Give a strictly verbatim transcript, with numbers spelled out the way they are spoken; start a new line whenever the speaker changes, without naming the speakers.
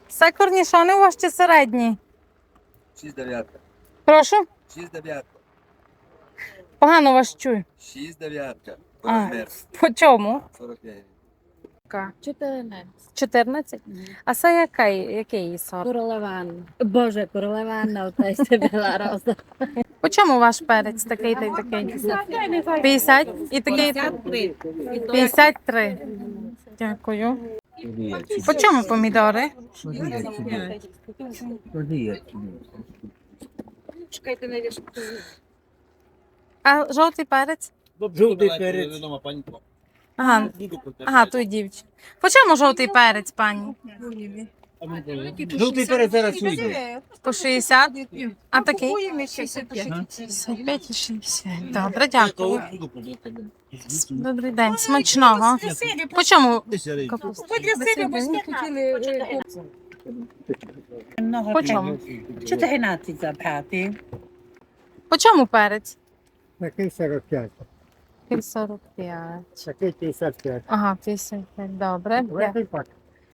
Все корнішони у вас чи середні?
шість дев'ятка.
Прошу?
шість дев'ятка.
Погано вас чую.
шість дев'ятка.
А,
Розмір
по чому?
сорок п'ять.
чотирнадцять.
чотирнадцять? А це який, який сорт?
Королеван. Боже, королевана, ота й білороса.
По чому ваш перець такий та й такий? п'ятдесят? І такий? п'ятдесят три. Дякую. По чому помідори? А жовтий перець?
Жовтий перець.
Ага, ага, той дівчина. По чому жовтий перець, пані?
Жовтий перець зараз уйде.
По шістдесят? А такий? шістдесят п'ять і шістдесят. Добре, дякую. Добрий день, смачного. По чому капуста? По чому?
чотирнадцять забрати.
По чому перець?
Такий сорок п'ять,
сорок п'ять.
такий п'ятдесят п'ять.
Ага, п'ятдесят п'ять, добре.
Великий пак.